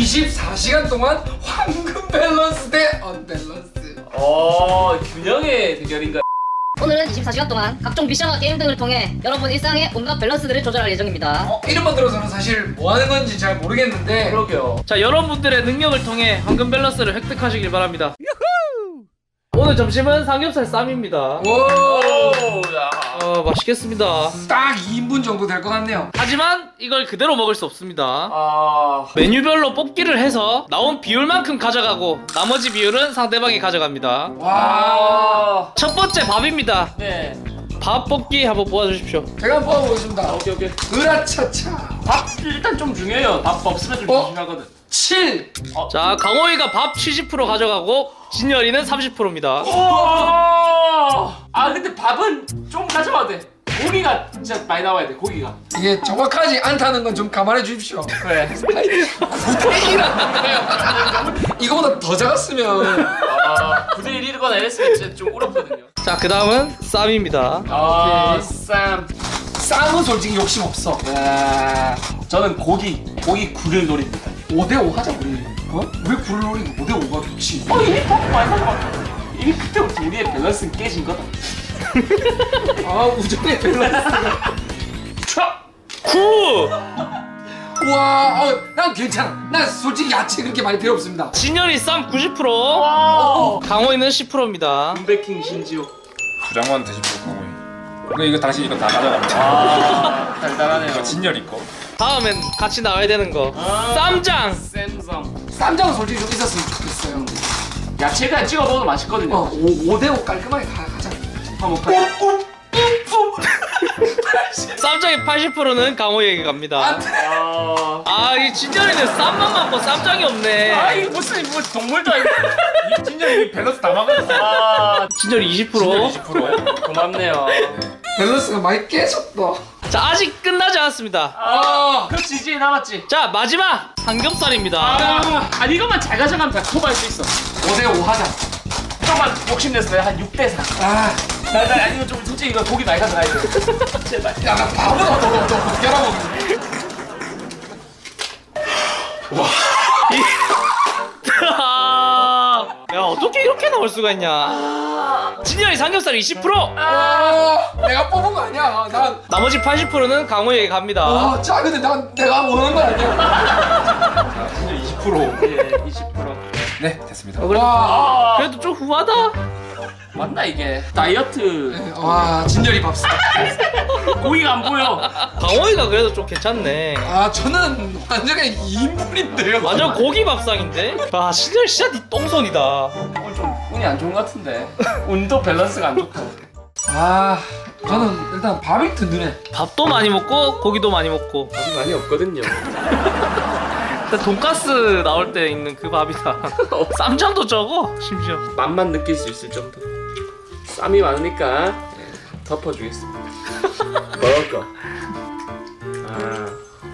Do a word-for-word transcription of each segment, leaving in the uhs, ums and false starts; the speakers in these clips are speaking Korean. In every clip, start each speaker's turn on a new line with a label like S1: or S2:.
S1: 이십사 시간 동안 황금 밸런스 대 언밸런스.
S2: 어, 균형의 대결인가?
S3: 오늘은 이십사 시간 동안 각종 미션과 게임 등을 통해 여러분 일상의 온갖 밸런스들을 조절할 예정입니다.
S1: 어, 이름만 들어서는 사실 뭐 하는 건지 잘 모르겠는데
S2: 그러게요.
S4: 자, 여러분들의 능력을 통해 황금 밸런스를 획득하시길 바랍니다. 오늘 점심은 삼겹살 쌈입니다.
S1: 오,
S2: 야.
S4: 어, 맛있겠습니다.
S1: 딱 이 인분 정도 될 것 같네요.
S4: 하지만 이걸 그대로 먹을 수 없습니다.
S2: 아,
S4: 메뉴별로 뽑기를 해서 나온 비율만큼 가져가고 나머지 비율은 상대방이 가져갑니다.
S1: 와,
S2: 아,
S4: 첫 번째 밥입니다.
S2: 네.
S4: 밥 뽑기 한번 뽑아주십시오.
S1: 제가 한번 뽑아보겠습니다.
S2: 오케이 오케이.
S1: 으라차차.
S2: 밥 일단 좀 중요해요. 밥 없으면 좀
S1: 어?
S2: 조심하거든.
S1: 칠.
S4: 자, 강호이가 밥 칠십 퍼센트 가져가고 진열이는 삼십 퍼센트입니다.
S2: 오! 아 근데 밥은 좀 가져와도 돼. 고기가 진짜 많이 나와야 돼. 고기가.
S1: 이게 정확하지 않다는 건 좀 감안해 주십시오.
S2: 그래.
S1: 구대 일이라는 거예요. 이거보다 더 작았으면
S2: 아, 구대 일이거나 이랬으면 진짜 좀 어렵거든요.
S4: 자, 그 다음은 쌈입니다.
S2: 아, 쌈.
S1: 쌈은 솔직히 욕심 없어.
S2: 아, 저는 고기, 고기 굴을 노립니다.
S1: 오 대 오 하자 우리. 어? 왜 굴을 노리는 오 대 오가 좋지?
S2: 어, 이미 밥 많이 가져왔잖아. 이미 그때부터 우리의 밸런스는 깨진 거다.
S1: 아 우정의 밸런스.
S2: 차!
S4: 구!
S1: 와, 어, 난 괜찮아. 난 솔직히 야채 그렇게 많이 필요 없습니다.
S4: 진열이 쌈 구십 퍼센트,
S2: 와!
S4: 강호이는 십 퍼센트입니다.
S2: 군베킹 신지호.
S5: 두 장만 드시고 강호이. 이거 이거 당신 이거 다 가져갑니다.
S2: 아, 달달하네요.
S5: 이거 진열이 거.
S4: 다음엔 같이 나와야 되는 거.
S2: 아.
S4: 쌈장!
S2: 쌈쌈.
S1: 쌈장은 솔직히 좀 있었으면 좋겠어요.
S2: 야채 그냥 찍어 먹어도 맛있거든요.
S1: 어, 오 대 오 깔끔하게 가, 가자.
S2: 한번 가자.
S4: 쌈장의 팔십 퍼센트는 강호이에게 갑니다.
S2: 아,
S4: 아, 이 진열이는 쌈만 먹고 쌈장이 없네.
S2: 아 이거 무슨 뭐 동물도 아니고.
S5: 진열이 이 밸런스 다 막아줬어.
S2: 아,
S4: 진열이 이십
S5: 진열이
S4: 퍼센트.
S5: 이십 퍼센트.
S2: 고맙네요.
S1: 밸런스가 많이 깨졌다.
S4: 자, 아직 끝나지 않았습니다.
S2: 아, 그렇지 이제 남았지.
S4: 자, 마지막 삼겹살입니다.
S2: 아, 아니 이것만 잘 가져가면 다 커버할 수 있어.
S1: 오 대 오 하자.
S2: 조금만 욕심냈어. 내가 한 육 대 사.
S1: 아,
S2: 나, 나 아니면 좀 솔직히 이거 고기 많이 가져가야 돼. 제발.
S1: 야, 나 밥은 어떠, 어떠, 어떻게 하라 먹는
S4: 야, 어떻게 이렇게 나올 수가 있냐. 진열이 삼겹살 이십 퍼센트,
S1: 아, 내가 뽑은 거 아니야. 난,
S4: 나머지 팔십 퍼센트는 강호이에게 갑니다.
S1: 아, 자, 근데 난 내가 원하는 건 아니야.
S5: 자, 진열 이십 퍼센트.
S2: 예, 이십 퍼센트.
S5: 네, 됐습니다.
S4: 어, 그래,
S1: 와,
S4: 그래도 좀 후하다.
S2: 맞나 이게? 다이어트.
S1: 와, 진열이 밥상.
S2: 고기가 안 보여.
S4: 강호이가 그래도 좀 괜찮네.
S1: 아, 저는 완전히 이 인분인데요.
S4: 완전 고기 밥상인데? 아, 진열 진짜 니 똥손이다.
S2: 오늘 좀 운이 안 좋은 것 같은데. 운도 밸런스가 안 좋고.
S1: 아, 저는 일단 밥이 든든해.
S4: 밥도 많이 먹고 고기도 많이 먹고.
S2: 밥이 많이 없거든요.
S4: 일단 돈가스 나올 때 있는 그 밥이다. 쌈장도 적어, 심지어.
S2: 맛만 느낄 수 있을 정도. 쌈이 많으니까 예, 덮어주겠습니다. 먹을 거. 아.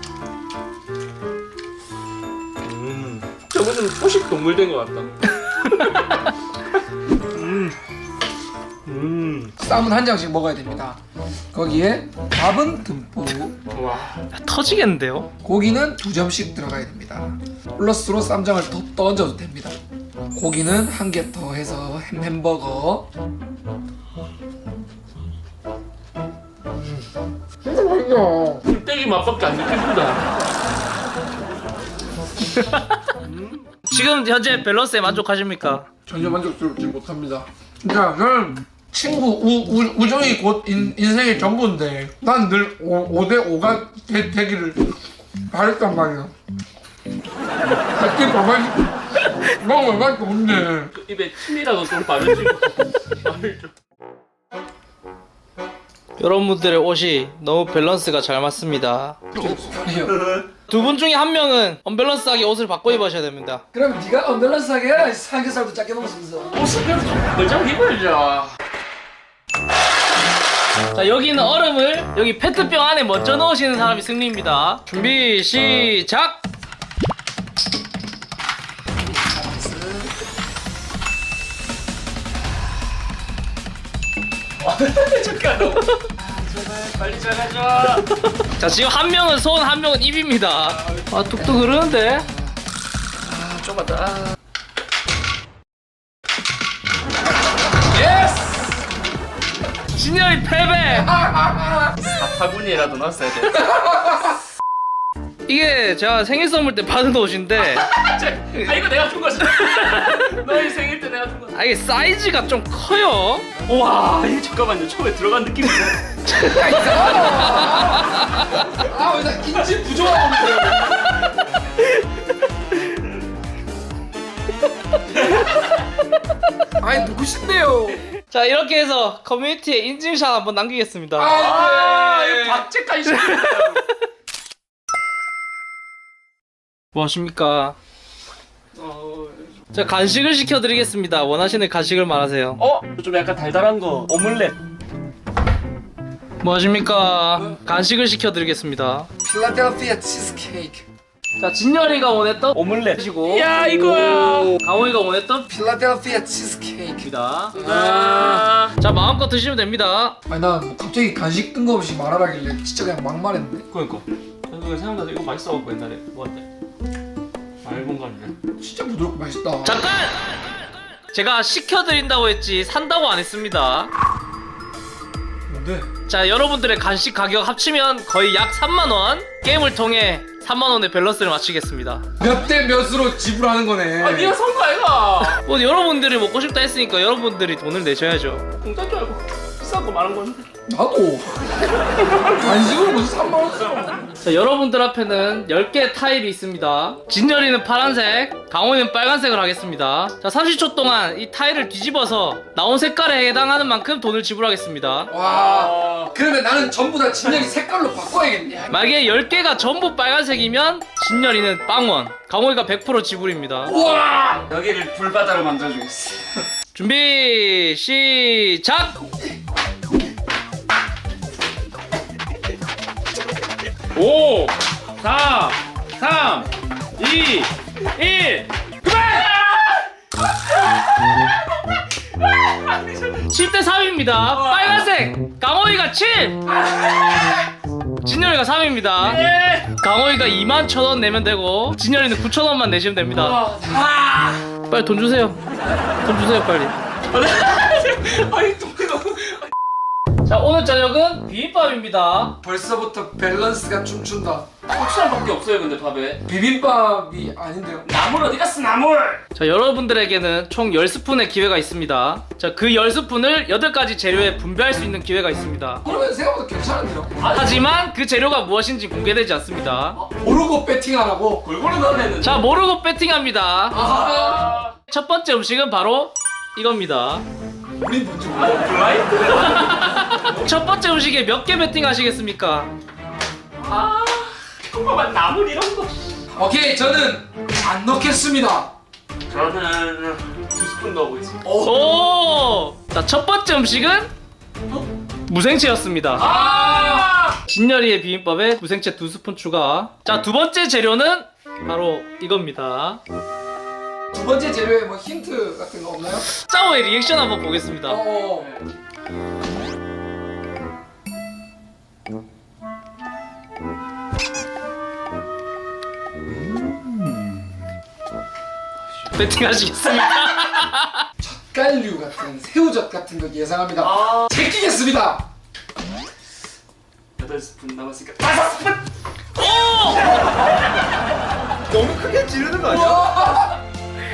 S2: 음. 저거는 포식 동물 된 것 같다. 음. 음.
S1: 쌈은 한 장씩 먹어야 됩니다. 거기에 밥은 듬뿍,
S2: 와.
S4: 야, 터지겠는데요?
S1: 고기는 두 점씩 들어가야 됩니다. 플러스로 쌈장을 더 떠줘도 됩니다. 고기는 한 개 더 해서 햄 햄버거. 진짜 맛있어.
S2: 껍데기 맛밖에 안 느껴진다.
S4: 지금 현재 밸런스에 만족하십니까?
S1: 전혀 만족스럽지 못합니다. 그러니까 저는 친구 우, 우, 우정이 곧 인, 인생의 전부인데 난 늘 오 대 오가 되, 되기를 바랬단 말이야. 그렇게 밥을 먹을 맛도 없네.
S2: 입에 침이라도 좀 바르지. 말을 좀.
S4: 여러분들의 옷이 너무 밸런스가 잘 맞습니다. 두 분 중에 한 명은 언밸런스하게 옷을 바꿔 입으셔야 됩니다.
S1: 그럼 네가 언밸런스하게 해라. 삼겹살도 작게 먹으면서.
S2: 옷을 그래도 좀 걸장 입어야죠.
S4: 자, 여기 있는 얼음을 여기 페트병 안에 먼저 넣으시는 사람이 승리입니다. 준비 시작!
S2: 잠깐. 제발 빨리 잘해줘.
S4: 자, 지금 한 명은 손, 한 명은 입입니다. 아, 뚝뚝 흐르는데?
S2: 좁았다. 아.
S4: 진열이 패배.
S2: 사타구니라도 넣었어야 돼.
S4: 이게 제가 생일 선물 때 받은 옷인데
S2: 아 이거 내가 준 거지. 너희 생일 때 내가 준 거.
S4: 아 이게 사이즈가 좀 커요.
S2: 와 이거 잠깐만요. 처음에 들어간 느낌이.
S1: 아, 왜 나 인지 부족하고 아니, 누구신데요?
S4: 자 이렇게 해서 커뮤니티에 인증샷 한번 남기겠습니다.
S2: 아
S1: 네.
S2: 이거 박제까지 시켰다.
S4: 뭐 하십니까? 자 간식을 시켜드리겠습니다. 원하시는 간식을 말하세요.
S2: 어? 좀 약간 달달한 거. 오믈렛.
S4: 뭐 하십니까? 간식을 시켜드리겠습니다.
S1: 필라델피아 치즈케이크.
S4: 자 진열이가 원했던
S2: 오믈렛이고. 야
S4: 이거야. 강호이가 원했던
S1: 필라델피아 치즈케이크.
S4: 입니다.
S2: 아.
S4: 자 마음껏 드시면 됩니다.
S1: 아니, 난뭐 갑자기 간식 뜬금없이 말하라길래 진짜 그냥 막 말했는데.
S2: 그러니까. 저도 생각나서 이거 맛있어갖고 옛날에 먹었대. 맑은 거 아니야?
S1: 진짜 부드럽고 맛있다.
S4: 잠깐! 제가 시켜드린다고 했지 산다고 안 했습니다.
S1: 뭔데?
S4: 자 여러분들의 간식 가격 합치면 거의 약 삼만 원. 게임을 통해 삼만 원의 밸런스를 맞추겠습니다.
S1: 몇 대 몇으로 지불하는 거네.
S2: 아 네가 선 거 아이가?
S4: 뭐 여러분들이 먹고 싶다 했으니까 여러분들이 돈을 내셔야죠.
S2: 공짜인 줄 알고 비싼 거 많은 건데.
S1: 나도. 간식으로 무슨 삼만 원 써.
S4: 자 여러분들 앞에는 열 개의 타일이 있습니다. 진열이는 파란색, 강호이는 빨간색을 하겠습니다. 자 삼십 초 동안 이 타일을 뒤집어서 나온 색깔에 해당하는 만큼 돈을 지불하겠습니다.
S1: 와. 그러면 나는 전부 다 진열이 색깔로 바꿔야겠네.
S4: 만약에 열 개가 전부 빨간색이면 진열이는 빵원, 강호이가 백 퍼센트 지불입니다.
S1: 우와.
S2: 여기를 불바다로 만들어주겠어.
S4: 준비 시작!
S2: 오, 사, 삼, 이, 일.
S4: 칠 대 삼입니다. 빨간색 강호이가 칠, 진열이가 삼입니다. 강호이가 이만 천 원 내면 되고 진열이는 구천 원만 내시면 됩니다. 빨리 돈 주세요. 돈 주세요 빨리.
S2: 아니 또 너무.
S4: 자 오늘 저녁은 비빔밥입니다.
S1: 벌써부터 밸런스가 춤춘다.
S2: 고추장밖에 없어요 근데 밥에.
S1: 비빔밥이 아닌데요.
S2: 나물 어디 갔어 나물?
S4: 자 여러분들에게는 총 열 스푼의 기회가 있습니다. 자 그 열 스푼을 여덟 가지 재료에 분배할 수 있는 기회가 있습니다.
S1: 그러면 생각보다 괜찮은데요.
S4: 하지만 그 재료가 무엇인지 공개되지 않습니다.
S1: 모르고 배팅하라고.
S2: 골고루 넣어냈는데.
S4: 자 모르고 배팅합니다.
S1: 아.
S4: 첫 번째 음식은 바로 이겁니다.
S1: 우리 뭔지 몰라.
S2: 블라인드?
S4: 첫 번째 음식에 몇 개 배팅 하시겠습니까?
S2: 아, 평범한 나물 이런 거.
S1: 오케이, 저는 안 넣겠습니다.
S2: 저는 두 스푼 넣어보겠습니다.
S4: 오! 자, 첫 번째 음식은 무생채였습니다.
S2: 아!
S4: 진열이의 비빔밥에 무생채 두 스푼 추가. 자, 두 번째 재료는 바로 이겁니다.
S1: 두 번째 재료에 뭐 힌트 같은 거 없나요?
S4: 짜오의 리액션 한번 보겠습니다.
S1: 어.
S4: 배팅 하시겠습니까?
S1: 젓갈류 같은 새우젓 같은 거 예상합니다.
S2: 아.
S1: 제끼겠습니다.
S2: 여덟 스푼 남았으니까 다섯 스푼.
S5: 너무 크게 지르는 거 아니야?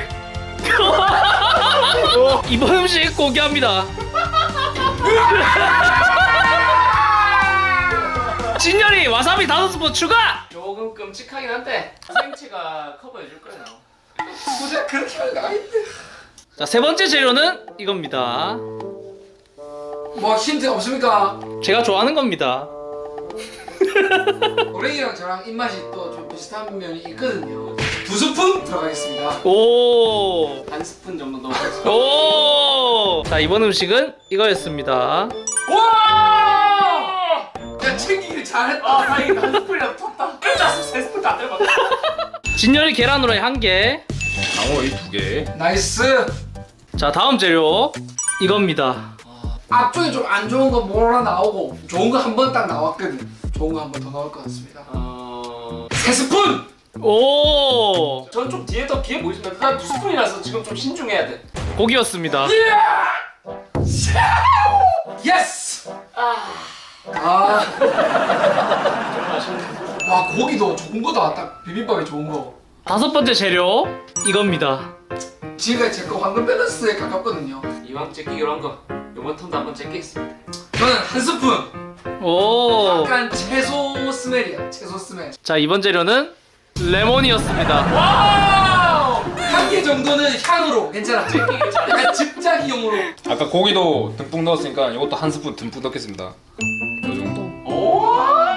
S4: 이번 음식 공개합니다. 진열이 와사비 다섯 스푼 추가!
S2: 조금 끔찍하긴 한데 생채가 커버해줄 거예요.
S1: 굳이 그렇게 하는 거 아닌데.
S4: 자, 세 번째 재료는 이겁니다.
S1: 뭐 힌트 없습니까?
S4: 제가 좋아하는 겁니다.
S1: 노랭이랑 저랑 입맛이 또 좀 비슷한 면이 있거든요. 두 스푼 들어가겠습니다.
S4: 오!
S2: 한 스푼 정도 넣어보겠습니다.
S4: 오! 자, 이번 음식은 이거였습니다.
S2: 와!
S1: 야, 챙기길 잘했다.
S2: 아 다행이다. 한 스푼이라도 텄다. 혼자서 세 스푼 다 때려봤다.
S4: 진열이 계란 후라이 한 개.
S5: 강호이 두 개.
S1: 나이스.
S4: 자, 다음 재료 이겁니다.
S1: 앞쪽에 좀 안 좋은 거 뭐라 나오고 좋은 거 한 번 딱 나왔거든. 좋은 거 한 번 더 나올 것 같습니다.
S2: 어...
S1: 세 스푼.
S4: 오
S2: 저는 좀 뒤에 더 기회 보이십니다. 난 두 스푼이라서 지금 좀 신중해야 돼.
S4: 고기였습니다.
S1: 예스! 아. 와, 고기도 좋은 거다. 딱 비빔밥에 좋은 거.
S4: 다섯 번째 재료 이겁니다.
S1: 지금까지 제거 황금 밸런스에 가깝거든요.
S2: 이왕 째끼기로 한 거 이번 턴도 한번 째끼겠습니다.
S1: 저는 한 스푼.
S4: 오.
S1: 약간 채소 스멜이야. 채소 스멜.
S4: 자 이번 재료는 레몬이었습니다.
S2: 와우!
S1: 한 개 정도는 향으로 괜찮아. 약간 집자기용으로.
S5: 아까 고기도 듬뿍 넣었으니까 이것도 한 스푼 듬뿍 넣겠습니다. 이 정도.
S2: 오!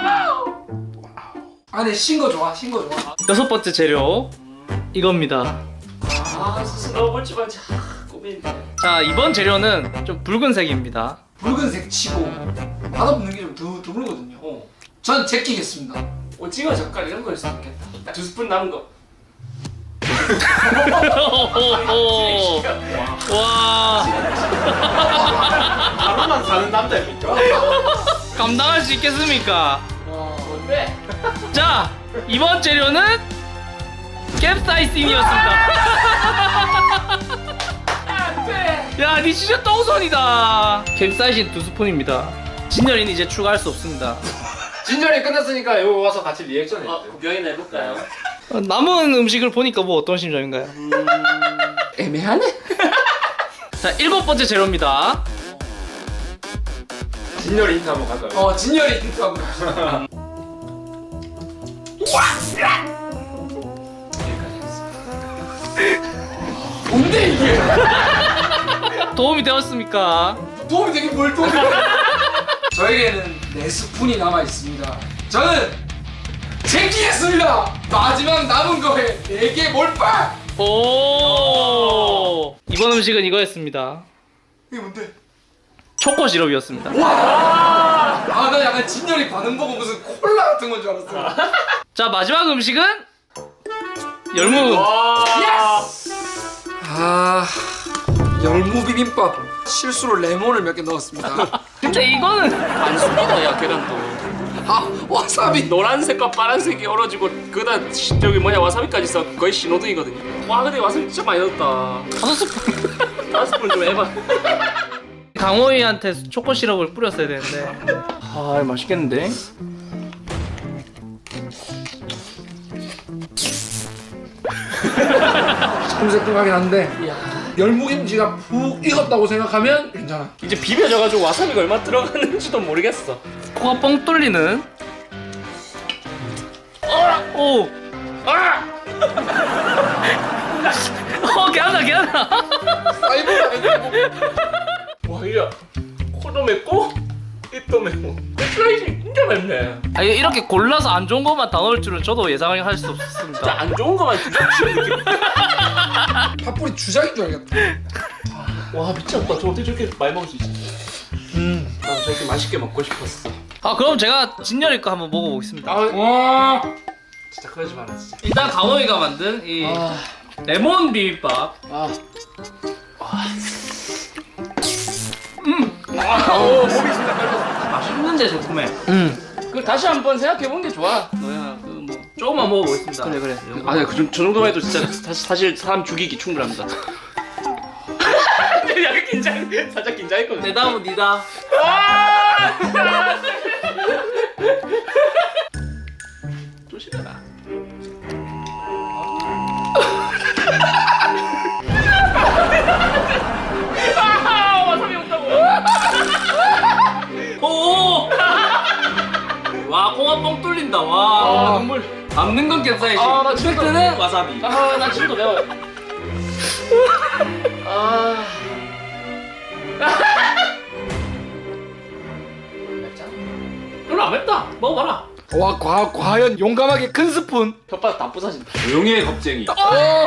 S1: 안에 신 거 좋아. 신 거 좋아.
S4: 여섯 번째 재료 이겁니다.
S2: 아 스스로 볼지 말지. 아, 고민이네.
S4: 자 이번 재료는 좀 붉은색입니다.
S1: 붉은색 치고 맛없는 게 좀 드물거든요.
S2: 어.
S1: 전 제끼겠습니다.
S2: 오징어 젓갈 이런 거일 수도 있겠다. 두 스푼 남은 거.
S4: 오오오. 와
S2: 하루만 사는 남자입니까?
S4: 감당할 수 있겠습니까?
S2: 뭔데?
S4: 자 이번 재료는 캡사이신이었습니다.
S2: 안돼.
S4: 야, 니 진짜 똥손이다. 캡사이신 두 스푼입니다. 진열이는 이제 추가할 수 없습니다.
S2: 진절이 끝났으니까 여기 와서 같이 리액션 해주세요. 어, 구경이나 해볼까요?
S4: 어, 남은 음식을 보니까 뭐 어떤 심정인가요?
S2: 애매하네.
S4: 자, 일곱 번째 재료입니다.
S2: 진열이 힌트 한번 갈까요?
S1: 어, 진열이 힌트 한번 봅시다. 뭔데 이게?
S4: 도움이 되었습니까?
S1: 도움이 되긴 뭘 도움이 돼? 저에게는 네 스푼이 남아 있습니다. 저는 제끼겠습니다. 마지막 남은 거에 네 개 몰빵.
S4: 오. 이번 음식은 이거였습니다.
S1: 이게 뭔데?
S4: 초코 시럽이었습니다.
S1: 아, 나 약간 진열이 반응 보고 무슨 콜라 같은 건 줄 알았어.
S4: 자, 마지막 음식은 열무.
S1: 아, 열무 비빔밥. 실수로 레몬을 몇 개 넣었습니다.
S4: 근데 이거는
S2: 안 숨기다 야 계란도.
S1: 아, 와사비.
S2: 노란색과 파란색이 어우러지고 그다 저기 뭐냐 와사비까지 있어 거의 신호등이거든요. 와 근데 와사비 진짜 많이 넣었다.
S4: 다섯 스푼.
S2: 다섯 스푼 좀 해봐.
S4: 강호이한테 초코 시럽을 뿌렸어야 되는데.
S2: 아 맛있겠는데?
S1: 새콤새콤하긴 한데 열무김치가 푹 익었다고 생각하면 괜찮아.
S2: 이제 비벼져가지고 와사비가 얼마 들어갔는지도 모르겠어.
S4: 코가 뻥 뚫리는. 오.
S2: 아!
S4: 어, 개하다, 개하다.
S1: 사이버가 아니고.
S2: 와 이야 코도 맵고 입도 맵고 슬라이스 진짜 맵네.
S4: 아, 이렇게 골라서 안 좋은 것만 다 넣을 줄은 저도 예상할 수
S2: 진짜
S4: 없었습니다.
S2: 안 좋은 거만 주작치는 느낌.
S1: 팥불이 주작인 줄 알겠다.
S2: 와 미쳤다. 저 어떻게 저렇게 많이 먹을 수 있지? 음 나도 저렇게 맛있게 먹고 싶었어.
S4: 아, 그럼 제가 진열이 거 한번 먹어보겠습니다.
S2: 아
S1: 와.
S2: 진짜 그러지 마라 진짜.
S4: 일단 강호이가 만든 이
S2: 아.
S4: 레몬 비빔밥.
S2: 아.
S4: 아, 오, 몸이 진짜 깔렸어. 맛있는데 좋구매.
S1: 음.
S2: 그 다시 한번 생각해 보는 게 좋아. 너야 그 뭐.
S4: 조금만 먹어보겠습니다.
S2: 그래 그래. 아니 그, 정- 저 정도만 해도 진짜 사실, 사실 사람 죽이기 충분합니다. 약간 긴장, 살짝 긴장했거든.
S4: 내 다음은 니다.
S2: 조심해라. 아, 와사비 온다고.
S4: 오! 와, 콩아 뻥 뚫린다. 와.
S2: 아, 눈물.
S4: 남는 건 캡사이신.
S2: 아, 나 진짜-
S4: 팩트는 와사비.
S2: 아, 나 지금도 매워. 아. 맵잖아.
S4: 별로 안 맵다. 먹어봐라.
S1: 와, 과, 과연 용감하게 큰 스푼.
S2: 혓바닥 다 부서진다.
S5: 조용히 해 겁쟁이.
S1: 어.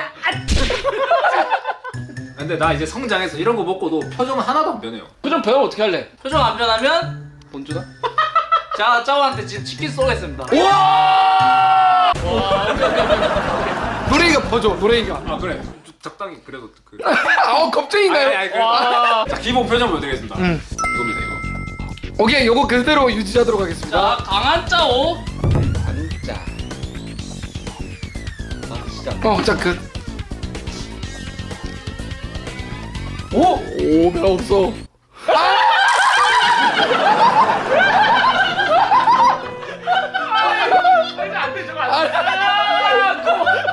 S5: 근데 나 이제 성장해서 이런 거 먹고도 표정은 하나도 안 변해요.
S2: 그럼 배워 어떻게 할래?
S4: 표정 안 변하면
S2: 본주다?
S4: 자, 짜오한테 지금 치킨 쏘겠습니다.
S1: 노래이가 퍼줘, 노래이가.
S5: 아 그래. 좀 적당히 그래도 그.
S1: 아, 겁쟁인가요?
S5: 아니, 아니, 그래.
S2: 와.
S5: 자 기본 표정 보여드리겠습니다.
S1: 음.
S5: 이겁니다 이거.
S1: 오케이, 요거 그대로 유지하도록 하겠습니다.
S4: 자, 강한 짜오.
S2: 반자.
S1: 어, 자, 그. 오! 오, 별 없어.
S2: 안 돼, 저거 안 돼.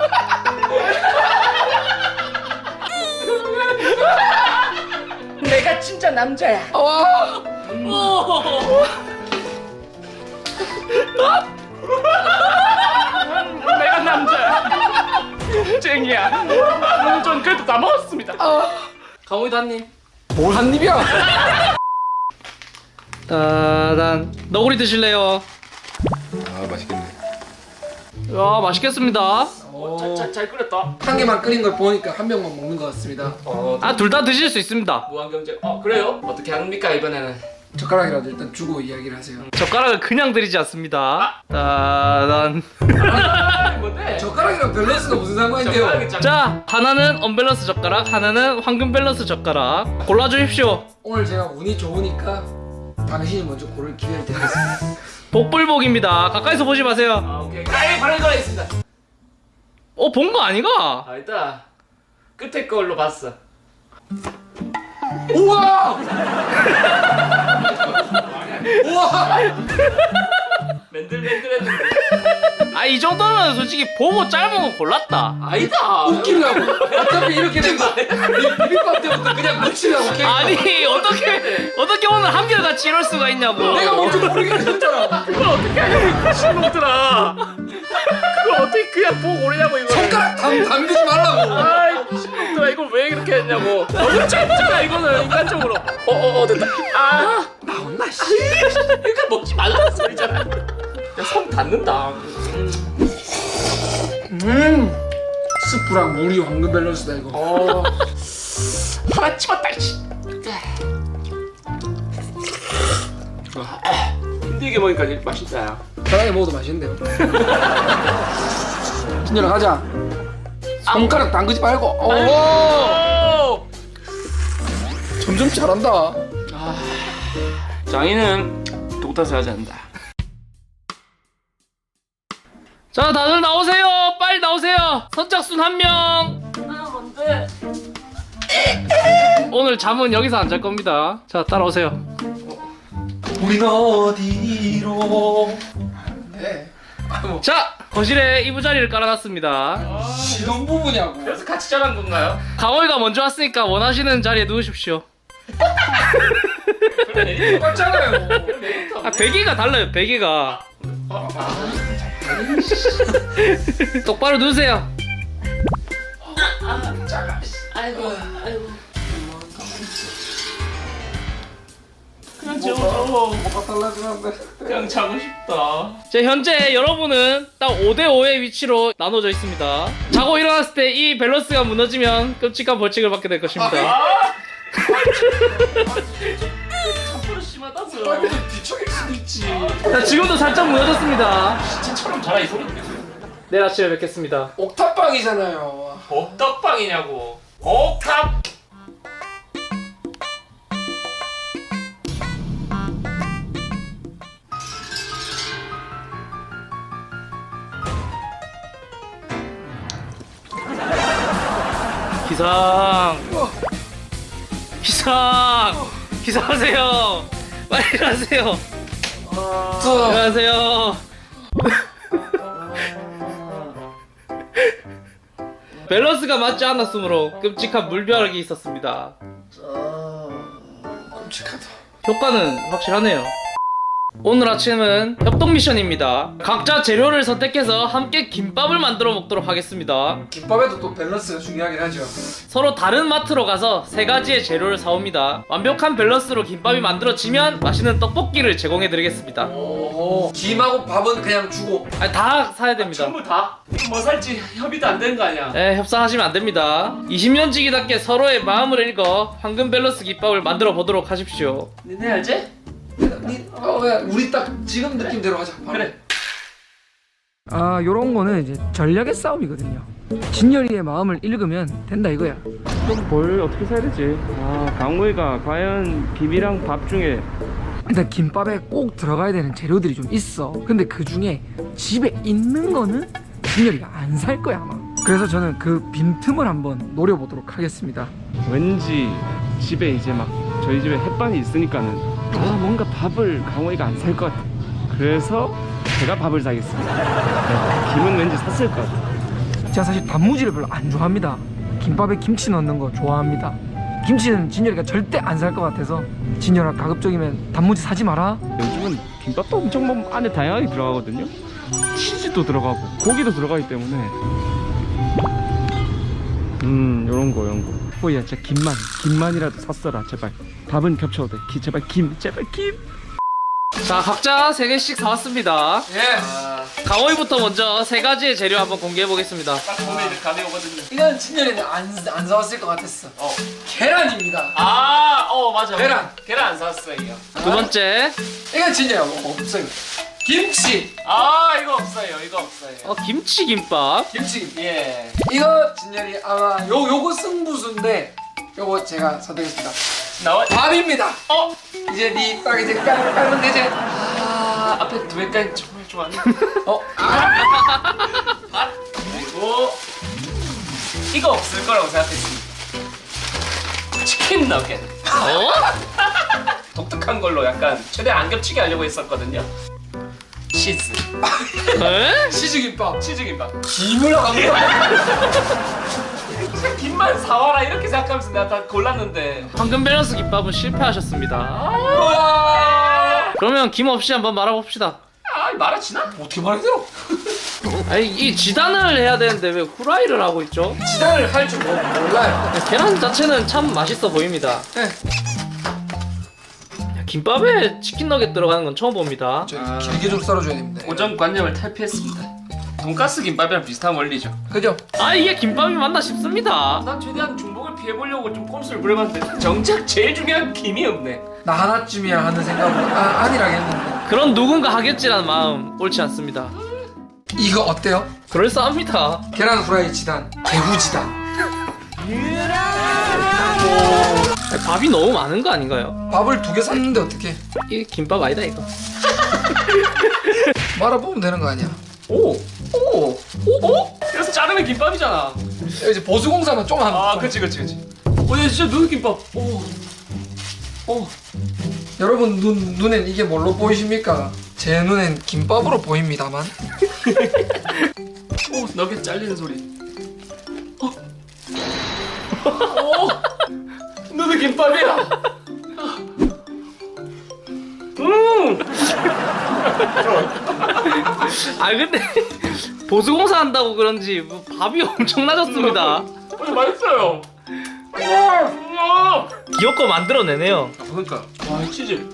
S2: 내가 진짜 남자야.
S1: 와!
S2: 내가 남자야. 쟁이야. 전 그래도 다 먹었습니다.
S4: 강호이도 한입.
S1: 뭘 한 입이야?
S4: 따단. 너구리 드실래요?
S5: 아 맛있겠네.
S4: 와 맛있겠습니다.
S2: 잘, 잘, 잘 끓였다.
S1: 한 개만 끓인 걸 보니까 한 병만 먹는 것 같습니다.
S2: 어,
S4: 아 둘 다 드실 수 있습니다.
S2: 무한경제. 어, 그래요? 어떻게 합니까 이번에는?
S1: 젓가락이라도 일단 주고 이야기를 하세요.
S4: 젓가락을 그냥 드리지 않습니다. 따단.
S2: 아, 뭔데?
S1: 젓가락이랑 밸런스가 무슨 상관인데요?
S2: 젓가락이 짱.
S4: 자 하나는 언밸런스 젓가락, 하나는 황금 밸런스 젓가락. 골라주십시오.
S1: 오늘 제가 운이 좋으니까 당신이 먼저 고를 기회를 드리겠습니다.
S4: 복불복입니다. 가까이서 보지 마세요.
S2: 아, 오케이. 아예 바로 이거 하겠습니다.
S4: 어 본 거 아니가?
S2: 아, 일단 끝에 걸로 봤어.
S1: 우와! 우와!
S2: 맨들맨들했는데.
S4: 아 이 정도면 솔직히 보고 짧은 거 골랐다.
S2: 아니다.
S1: 웃기려고. 어차피 이렇게 된 거. 비빔밥 때부터 그냥 묻히려고.
S4: 아니 어떻게 어떻게 오늘 한결같이 이럴 수가 있냐고.
S1: 내가 뭔지 모르겠는 했잖아.
S2: 그걸 어떻게 하냐고 미친놈들아. 그걸 어떻게 그냥 보고 오르냐고 이거.
S1: 손가락 담, 담그지 말라고.
S2: 아이 미친놈들아 이걸 왜 이렇게 했냐고. 너무 짧잖아 이거는 인간적으로. 어어어 됐다. 아
S1: 나온나 씨.
S2: 그러니까 먹지 말라는 소리잖아. 야 손 닿는다.
S1: 음. 스프랑 물이 황금 밸런스다 이거.
S2: 어 하나 찍었다 씨. 힘들게 먹으니까 이제 맛있다 야.
S1: 편하게 먹어도 맛있는데요. 진열아 가자. 손가락 담그지 말고. 오.
S2: 오!
S1: 점점 잘한다.
S2: 장인은 독타서 하지 않는다.
S4: 자 다들 나오세요. 빨리 나오세요. 선착순 한 명.
S2: 아 뭔데?
S4: 오늘 잠은 여기서 안 잘 겁니다. 자 따라오세요.
S1: 우리는 어디로? 네.
S4: 자 거실에 이부자리를 깔아놨습니다.
S1: 이런 부분이냐고.
S2: 그래서 같이 자란 건가요?
S4: 강호이가 먼저 왔으니까 원하시는 자리에 누우십시오.
S1: 똑같잖아요.
S4: 아 베개가 달라요. 베개가. 똑바로 누우세요.
S2: 아이고 아이고. 그냥 재워줘.
S1: 뭐가 달라지는데?
S2: 그냥 자고 싶다.
S4: 자 현재 여러분은 딱 오 대 오의 위치로 나눠져 있습니다. 자고 일어났을 때 이 밸런스가 무너지면 끔찍한 벌칙을 받게 될 것입니다.
S2: 아! 참으로 심하다고요.
S1: 아니 좀 뒤척일 수도 있지.
S4: 자 지금도 살짝 무너졌습니다.
S2: 진짜처럼 자라 이 소리.
S4: 내일 아침에 뵙겠습니다.
S1: 옥탑방이잖아요.
S2: 옥탑방이냐고. 옥탑.
S4: 기상 기상 기상하세요. 빨리 일어나세요.
S1: 저
S4: 일어나세요. 밸런스가 맞지 않았으므로 끔찍한 물벼락이 있었습니다.
S1: 끔찍하다.
S4: 효과는 확실하네요. 오늘 아침은 협동 미션입니다. 각자 재료를 선택해서 함께 김밥을 만들어 먹도록 하겠습니다.
S1: 김밥에도 또 밸런스가 중요하긴 하죠.
S4: 서로 다른 마트로 가서 세 가지의 재료를 사옵니다. 완벽한 밸런스로 김밥이 만들어지면 맛있는 떡볶이를 제공해 드리겠습니다.
S1: 오. 김하고 밥은 그냥 주고.
S4: 아니, 다 사야 됩니다.
S2: 전부 다? 뭐 살지 협의도 안 되는 거 아니야?
S4: 네, 협상하시면 안 됩니다. 이십 년지기답게 서로의 마음을 읽어 황금 밸런스 김밥을 만들어 보도록 하십시오.
S2: 니네 알지?
S1: 니, 어, 그냥 우리 딱 지금 느낌대로 하자. 바로.
S2: 그래.
S6: 아 요런 거는 이제 전략의 싸움이거든요. 진열이의 마음을 읽으면 된다 이거야.
S2: 뭘 어떻게 사야 되지? 아 강우이가 과연 김이랑 밥 중에
S6: 일단 김밥에 꼭 들어가야 되는 재료들이 좀 있어. 근데 그 중에 집에 있는 거는 진열이가 안 살 거야 아마. 그래서 저는 그 빈틈을 한번 노려보도록 하겠습니다.
S7: 왠지 집에 이제 막 저희 집에 햇반이 있으니까는 아 뭔가 밥을 강호이가 안 살 것 같아. 그래서 제가 밥을 사겠습니다. 네, 김은 왠지 샀을 것 같아.
S6: 제가 사실 단무지를 별로 안 좋아합니다. 김밥에 김치 넣는 거 좋아합니다. 김치는 진열이가 절대 안 살 것 같아서 진열아 가급적이면 단무지 사지 마라.
S7: 요즘은 김밥도 엄청 뭐 안에 다양하게 들어가거든요. 치즈도 들어가고 고기도 들어가기 때문에 음 요런 거 요런 거 호이야 진짜 김만 김만이라도 샀어라 제발. 밥은 겹쳐도 돼. 기, 제발 김 제발 김.
S4: 자, 각자 세 개씩 사왔습니다.
S1: 예.
S4: 강호이부터 먼저 세 가지의 재료 한번 공개해 보겠습니다.
S2: 딱 보면 이제 감이 오거든요.
S1: 이건 진열이는 안, 안 사왔을 것 같았어.
S2: 어.
S1: 계란입니다.
S2: 아, 어 맞아.
S1: 계란.
S2: 계란 안 샀어요. 이거.
S4: 두 번째,
S1: 이건 진열아 뭐 없어요. 김치.
S2: 아, 이거 없어요. 이거 없어요.
S4: 어, 김치 김밥.
S1: 김치.
S2: 예.
S1: 이거 진열이 아마 요 요거 승부수인데 요거 제가 선택했습니다.
S2: 나와.
S1: 밥입니다.
S2: 어.
S1: 이제 니 딱 이제 깔 깔면 되지.
S2: 아, 앞에 두 개까지 정말 좋아하네.
S1: 어.
S2: 밥. 그리고 이거 없을 거라고 생각했습니다. 치킨 너겟.
S4: 어?
S2: 독특한 걸로 약간 최대한 안 겹치게 하려고 했었거든요. 치즈.
S4: 에?
S1: 치즈김밥.
S2: 치즈김밥.
S1: 김을 안 넣어.
S2: 진짜 김만 사와라 이렇게 생각하면서 내가 다 골랐는데.
S4: 황금 밸런스 김밥은 실패하셨습니다.
S2: 와.
S4: 그러면 김 없이 한번 말아봅시다.
S2: 아, 말아지나?
S1: 어떻게 말이 들어?
S4: 아니, 이 지단을 해야 되는데 왜 후라이를 하고 있죠?
S1: 지단을 할 줄 몰라요.
S4: 계란 자체는 참 맛있어 보입니다.
S1: 네.
S4: 야, 김밥에 치킨 너겟 들어가는 건 처음 봅니다.
S1: 저 길게 좀 썰어줘야 됩니다.
S2: 고정관념을 탈피했습니다. 돈가스 김밥이랑 비슷한 원리죠.
S1: 그죠?
S4: 아, 이게 김밥이 맞나 싶습니다.
S2: 난 최대한 중복을 피해보려고 좀 꼼수를 부려봤는데 정작 제일 중요한 김이 없네.
S1: 나 하나쯤이야 하는 생각으로 아 아니라겠는데.
S4: 그런 누군가 하겠지라는 마음 옳지 않습니다.
S1: 이거 어때요?
S4: 그럴싸합니다.
S1: 계란 후라이 지단, 개후 지단.
S4: 밥이 너무 많은 거 아닌가요?
S1: 밥을 두 개 샀는데 어떻게?
S4: 이게 김밥 아니다 이거.
S1: 말아보면 되는 거 아니야?
S2: 오! 오! 오! 오? 그래서 자르면 김밥이잖아.
S1: 이제 보수공사만 좀 하면.
S2: 아, 그치 그치 그치. 어, 얘 진짜 눈 김밥. 오. 오.
S1: 여러분 눈 눈엔 이게 뭘로 보이십니까? 제 눈엔 김밥으로 보입니다만.
S2: 오, 너겟 잘리는 소리. 어. 오. 너도 김밥이야. 음.
S4: 아 근데 보수공사 한다고 그런지 뭐 밥이 엄청 낮았습니다.
S2: 어, 맛있어요. 우와.
S4: 귀엽고 만들어내네요.
S2: 그러니까. 와, 이 치즈.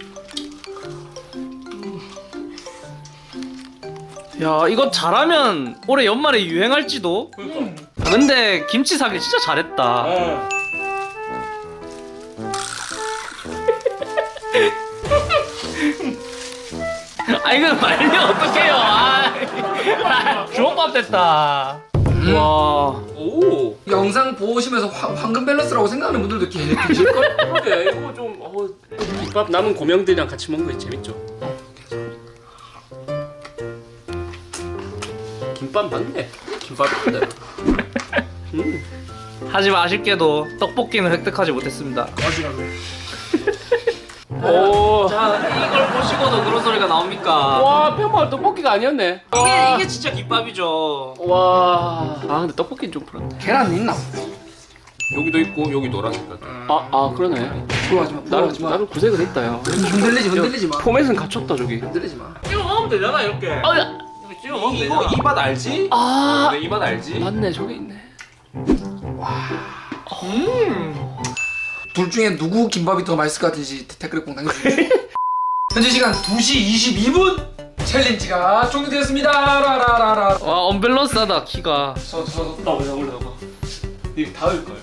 S4: 야, 이거 잘하면 올해 연말에 유행할지도.
S2: 그러니까.
S4: 아, 근데 김치 사기 진짜 잘했다.
S2: 어.
S4: 아 이거 말려 어떡해요. 아, 주먹밥 됐다. 와.
S2: 오.
S1: 영상 보시면서 화, 황금 밸런스라고 생각하는 분들도 계- 계실걸?
S2: 그러게 이거 좀 어, 김밥 남은 고명들이랑 같이 먹는 거 재밌죠. 김밥 맞네. 김밥인데. 음.
S4: 하지만 아쉽게도 떡볶이는 획득하지 못했습니다.
S2: 오.
S4: 자, 이걸 보시고도 그런 소리가 나옵니까?
S2: 와, 평범한 떡볶이가 아니었네.
S4: 이게 이게 진짜 김밥이죠.
S2: 와. 아, 근데 떡볶이는 좀 그렇네.
S1: 계란 있나?
S5: 여기도 있고 여기 노란 색깔.
S2: 아, 아 그러네.
S1: 부러워하지 마.
S2: 나는
S1: 부러워하지 마.
S2: 나는 구색을 했다 야.
S1: 흔들리지 흔들리지 마.
S2: 포맷은 갖췄다 저기.
S1: 흔들리지 마.
S4: 찍어 먹으면 되잖아 이렇게.
S2: 아, 야.
S4: 찍어 먹으면
S5: 이거
S4: 되잖아.
S5: 이 맛 알지?
S2: 아.
S5: 내 이 맛 알지?
S2: 맞네, 저기 있네.
S4: 음.
S1: 둘 중에 누구 김밥이 더 맛있을 것 같은지 댓글에 꼭 남겨주세요. 현재 시간 두 시 이십이 분 챌린지가 종료되었습니다. 라라라라.
S4: 와, 언밸런스하다 키가.
S1: 저저
S2: 나 올라 올라가. 이거 닿을 걸.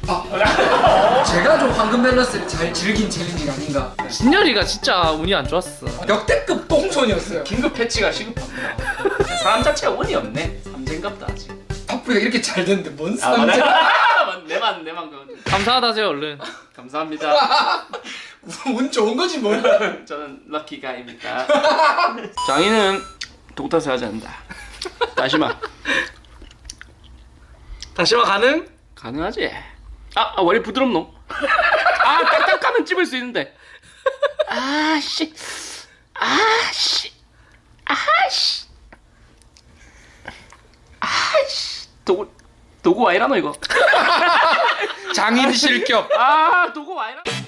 S1: 제가 좀 황금 밸런스를 잘 즐긴 챌린지가 아닌가.
S4: 진열이가 진짜 운이 안 좋았어.
S1: 역대급 똥손이었어요.
S2: 긴급 패치가 시급합니다. 사람 자체가 운이 없네. 삼재인갑다 아직.
S1: 파프가 이렇게 잘 됐는데 뭔
S2: 아, 맞네.
S1: 삼재?
S2: 내만 내만 그건.
S4: 감사하다세요 얼른.
S2: 감사합니다.
S1: 운 좋은 거지 뭐.
S2: 저는 럭키가입니다. 장인은 독탓을 하지 않는다. 다시마.
S4: 당신만 가능?
S2: 가능하지. 아, 아 원래 부드럽노? 아, 딱딱하면 찝을 수 있는데. 아씨, 아씨, 아씨, 아씨. 도구 도구 와 이라노 이거?
S5: 장인 실격.
S2: 아, 도구 와 이라.